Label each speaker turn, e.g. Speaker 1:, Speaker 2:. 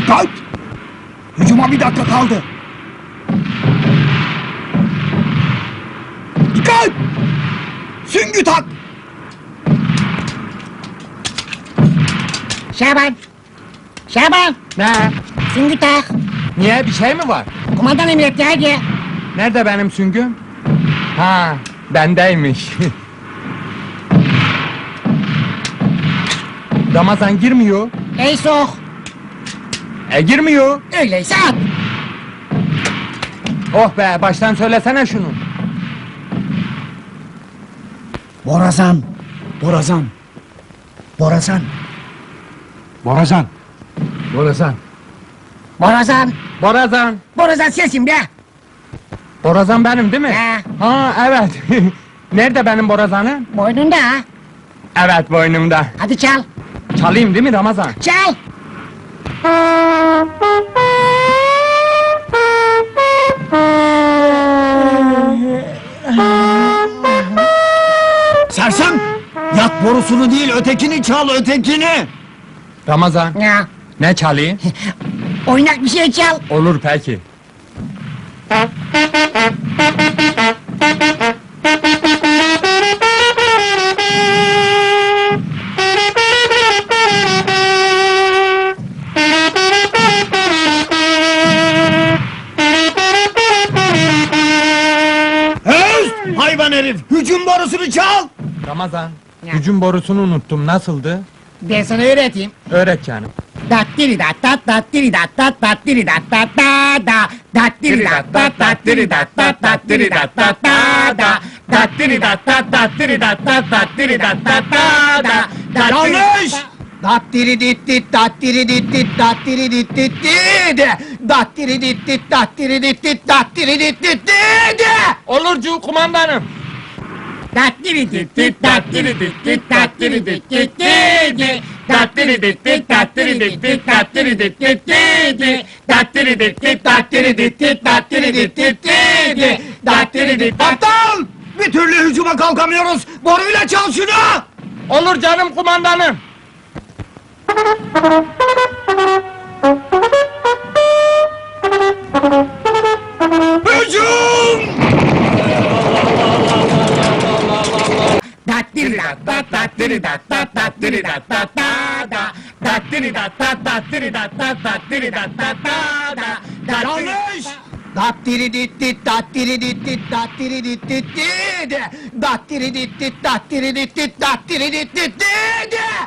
Speaker 1: Dikkat! Hücuma bir dakika kaldı. Dikkat! Süngü tak!
Speaker 2: Şaban! Şaban!
Speaker 3: Ne?
Speaker 2: Süngü tak!
Speaker 3: Niye, bir şey mi var?
Speaker 2: Kumandan emretti, hadi!
Speaker 3: Nerede benim süngüm? Ha, bendeymiş. Ramazan girmiyor.
Speaker 2: Ey sok!
Speaker 3: Girmiyor.
Speaker 2: Öyleyse at!
Speaker 3: Oh be, baştan söylesene şunu.
Speaker 1: Borazan! Borazan! Borazan! Borazan!
Speaker 3: Borazan.
Speaker 2: Borazan!
Speaker 3: Borazan.
Speaker 2: Borazan sensin be!
Speaker 3: Borazan benim değil mi?
Speaker 2: He.
Speaker 3: Ha, evet. Nerede benim borazanım?
Speaker 2: Boynunda ha!
Speaker 3: Evet, boynumda.
Speaker 2: Hadi çal!
Speaker 3: Çalayım değil mi Ramazan?
Speaker 2: Çal!
Speaker 1: Sersem! Yat borusunu değil, ötekini çal, ötekini!
Speaker 3: Ramazan,
Speaker 2: Ya!
Speaker 3: ne çalayım?
Speaker 2: Oynak bir şey çal!
Speaker 3: Olur peki.
Speaker 1: Öz! Hayvan herif! Hücum borusunu çal!
Speaker 3: Ramazan,
Speaker 2: Ya.
Speaker 3: hücum borusunu unuttum, nasıldı?
Speaker 2: Ben sana öğreteyim.
Speaker 3: Öğret canım.
Speaker 2: Dattiri dat dat dattiri dat dat dattiri dat dat da da dattiri dat dat dattiri dat dat dattiri dat dat da da dattiri dat dat dattiri dat dat dattiri dat dat da da
Speaker 1: Yanlış! Dattiri dit dit dattiri dit dit dattiri dit dit dit dattiri dit dit dattiri dit dit dattiri dit dit dit.
Speaker 3: Olurcu kumandanım.
Speaker 2: dattiri dit dit dattiri dit dit dattiri dit dit di dattiri dit dit dattiri dit dit dattiri dit dit di dattiri dit dit dattiri dit dit dattiri dit dit di dattiri dit
Speaker 1: Aptal! Bir türlü hücuma kalkamıyoruz. Boruyla çal şunu!
Speaker 3: Olur canım kumandanım.
Speaker 1: Hücum!
Speaker 2: dattiri dat dat dattiri dat dat dattiri dat dat da da dattiri dat dat dattiri dat dat dattiri dat dat da da
Speaker 1: Yanlış! Dattiri dit dit dattiri dit dit dattiri dit dit dit dattiri dit dit dattiri dit dit dattiri dit dit dit.